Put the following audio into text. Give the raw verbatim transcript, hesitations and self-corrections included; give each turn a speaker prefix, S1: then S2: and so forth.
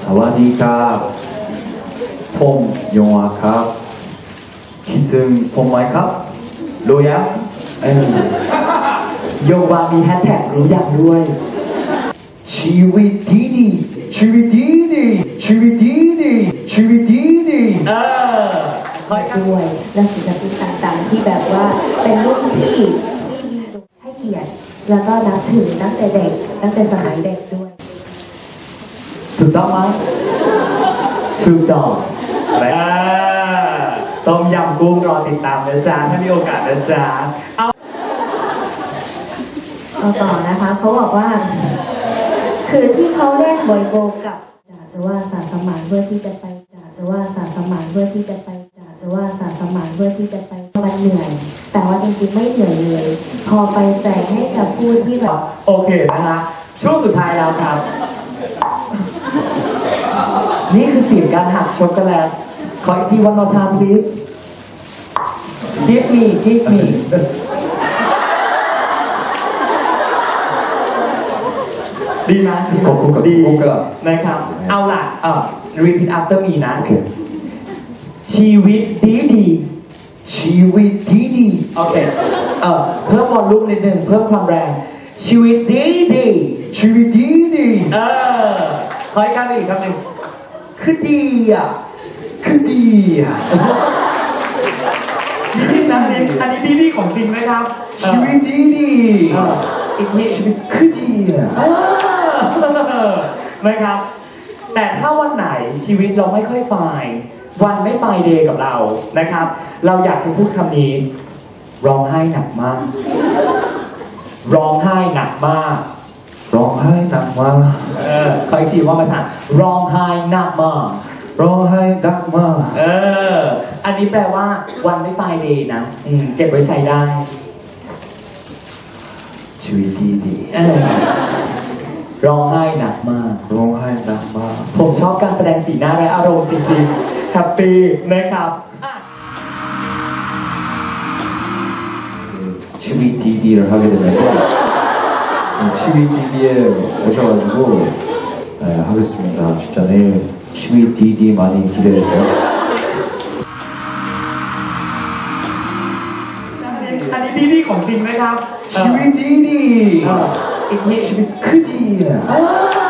S1: วัสดีครับผมยงอาครับคิดถึงผมไหมครับรู้ยังเอ้ย
S2: โยวามีแฮชแท็กรู้อย่างด้วย
S1: ชีวิตดีดีชีวิตดีดีชีวิตดีดีชีวิตดีดี
S2: เออคอยกัน
S3: ด้วยและศิลปินต่างๆที่แบบว่าเป็นรุ่นพี่ที่ให้เกียรติแล้วก็นับถือตั้งแต่เด็กตั้งแต่สมัยเด็กด้วย
S2: ถูกต้องไหมถูกต้องอ่าต้มยำกุ้งรอติดตามนะจ๊ะถ้ามีโอกาสนะจ๊ะเอา
S3: เอาต่อนะคะเขาบอกว่า คือที่เขาเล่นบอยโบกับหรือว่าสาสมานเพื่อที่จะไปจากหรือว่าสาสมานเพื่อที่จะไปจากหรือว่าสาสมานเพื่อที่จะไปมันเหนื่อย แต่ว่าจริงๆไม่เหนื่อยเลย พอไปแจกให้กับผู้ที่แบบ
S2: โอเคนะคะช่วงสุดท้ายแล้วครับ นี่คือเสียงการหักช็อกโกแลตขออีกที one more time please give me give me ดีไหม
S1: ขอบคุณครับ
S2: ดี
S1: ขอบคุณครับ
S2: นะครับเอาล่ะเอ่อ repeat after me นะ
S1: โอเค
S2: ชีวิตดีดี
S1: ชีวิตดีดี
S2: โอเคเอ่อเพิ่มวอลลุ่มนิดนึงเพิ่มความแรงชีวิตดีดี
S1: ชีวิตดีดี
S2: เออขออีกครั้งหนึ่งอีกครั้งหนึ่งคือดีอ่ะ
S1: คือดีอ่ะ
S2: นี่นะอันนี้อันนี้ดีดีของจริงไหมครับ
S1: ชีวิตดีดี
S2: เอออีกที
S1: ชีวิตคือดีอ่ะ
S2: เออนะครับ แต่ถ้าวันไหนชีวิตเราไม่ค่อยไฟล์วันไม่ไฟล์เดย์กับเรานะครับ เราอยากจะพูดคำนี้ร้องไห้หนักมาก ร้องไห้หนักมาก
S1: ร้องไห้หนักมาก
S2: เออขออีกทีว่ามาถามร้องไห้หนักมาก
S1: ร้องไห้หนักมาก
S2: เออ อันนี้แปลว่าวันไม่ไฟล์เดย์นะอืมเก็บไว้ใช้ได้
S1: ชีวิตดีดี
S2: เออร้องไห้หนักมาก
S1: ร้องไห้หนักมาก
S2: ผมชอบการแสดงสีหน้าและอารมณ์จริงๆแฮปปี้นะครับอ่ะ
S1: ชีวิตดีๆ를 하게 되면서ชีวิต 디디에 오셔가지고 네, 하겠습니다. 진짜 내일ชีวิต 디디 많이 기대해주세요.
S2: อันนี้ดีดีของจริงไหมครับ
S1: ชีวิต 디디
S2: เอออีกที
S1: ชีวิตคือดีอ่ะ
S2: เออ